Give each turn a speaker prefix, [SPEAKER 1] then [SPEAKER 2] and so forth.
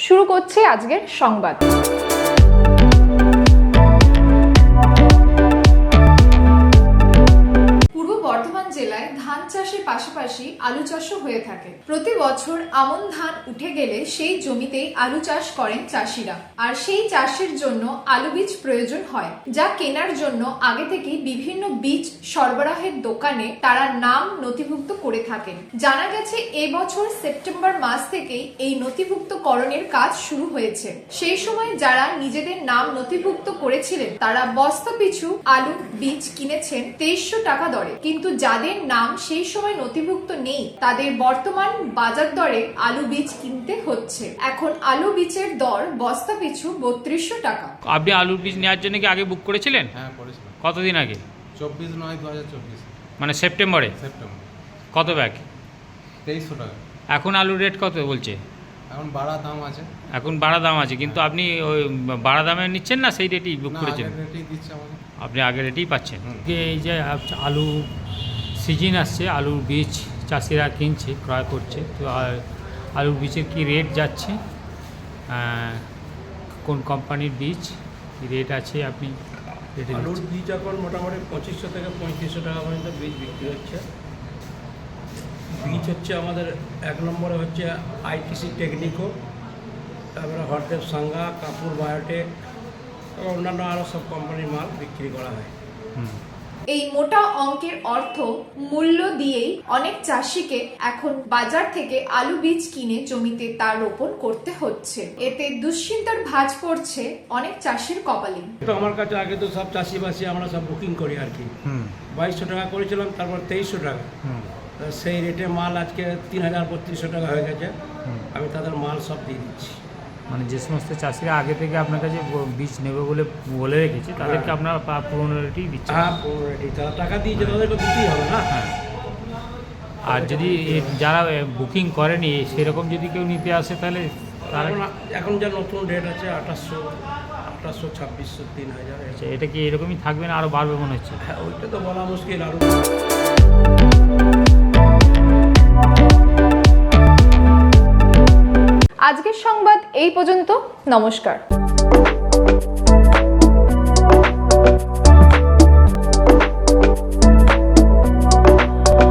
[SPEAKER 1] শুরু করছি আজকের সংবাদ। পূর্ব বর্ধমান জেলায় ধান চাষের পাশাপাশি আলু চাষও হয়ে থাকে। প্রতি বছর আমন ধান উঠে গেলে সেই জমিতেই আলু চাষ করেন চাষিরা, আর সেই চাষের জন্য আলু বীজ প্রয়োজন হয়, যা কেনার জন্য আগে থেকেই বিভিন্ন বীজ সরবরাহের দোকানে তারা নাম নথিভুক্ত করে থাকেন। জানা গেছে এবছর সেপ্টেম্বর মাস থেকেই এই নথিভুক্তকরণের কাজ শুরু হয়েছে। সেই সময় যারা নিজেদের নাম নথিভুক্ত করেছিলেন তারা বস্তা পিছু আলু বীজ কিনেছেন 2300 টাকা দরে, কিন্তু যাদের নাম সেই সময় নথিভুক্ত নেই তাদের বর্তমান বাজার দরে আলু বীজ কিনতে হচ্ছে। এখন আলু বীজের দর বস্তা পিছু 3200 টাকা।
[SPEAKER 2] আপনি আলুর বীজ নেওয়ার জন্য কি আগে বুক করেছিলেন?
[SPEAKER 3] হ্যাঁ, করেছিলাম।
[SPEAKER 2] কতদিন আগে?
[SPEAKER 3] 24/9/2024।
[SPEAKER 2] মানে সেপ্টেম্বরে?
[SPEAKER 3] সেপ্টেম্বর।
[SPEAKER 2] কত ব্যাগ?
[SPEAKER 3] 2300 টাকা।
[SPEAKER 2] এখন আলুর রেট কত বলছে?
[SPEAKER 3] এখন বাড়া দাম আছে।
[SPEAKER 2] এখন বাড়া দাম আছে, কিন্তু আপনি ওই বাড়া দামে নিচ্ছেন না সেই রেটেই বুক করেছেন?
[SPEAKER 3] আগের রেটেই দিচ্ছে আমাকে।
[SPEAKER 2] আপনি আগের রেটেই পাচ্ছেন। এই যে আলু সিজন আসছে, আলুর বীজ চাষিরা কিনছে, ক্রয় করছে, তো আলুর বীজের কি রেট যাচ্ছে, কোন কোম্পানির বীজ কি রেট আছে আপনি
[SPEAKER 4] আলুর বীজ এখন মোটামুটি 2500 থেকে 3500 টাকা পর্যন্ত বীজ বিক্রি হচ্ছে। বীজ হচ্ছে আমাদের 1 নম্বরে হচ্ছে আইটিসি টেকনিকো, তারপরে হরদেব সাঙ্গা, কাপুর বায়োটেক এবং অন্যান্য আরও সব কোম্পানির মাল বিক্রি করা হয়।
[SPEAKER 1] এই মোটা অঙ্কের অর্থ মূল্য দিয়েই অনেক চাষিকে এখন বাজার থেকে আলু বীজ কিনে জমিতে তা রোপণ করতে হচ্ছে। এতে দুশ্চিন্তার ভাঁজ পড়ছে অনেক চাষির কপালে।
[SPEAKER 4] তো আমার কাছে আগে তো সব চাষিবাসী আমরা সব বুকিং করি আর কি। 2200 টাকা করেছিলাম, তারপর 2300 টাকা। সেই রেটে মাল আজকে 3000-3200 টাকা হয়ে গেছে। আমি তাদের মাল সব দিয়ে দিচ্ছি।
[SPEAKER 2] মানে যে সমস্ত চাষিরা আগে থেকে আপনার কাছে বীজ নেবে বলে রেখেছে তাদেরকে আপনারা পুরনো রেটেই দিচ্ছেন?
[SPEAKER 4] হ্যাঁ, পুরনো রেটেই। তারা টাকা দিয়েছে, তাদেরকে দিতেই হবে না।
[SPEAKER 2] হ্যাঁ। আর যদি যারা বুকিং করেনি সেরকম যদি কেউ নিতে আসে তাহলে তারা
[SPEAKER 4] এখন যা নতুন রেট আছে 2800, 2600, 3000।
[SPEAKER 2] এটা কি এরকমই থাকবে না আরও বাড়বে মনে হচ্ছে?
[SPEAKER 4] হ্যাঁ, ওইটা তো বলা মুশকিল। আরও
[SPEAKER 1] আজকের সংবাদ এই পর্যন্ত। নমস্কার।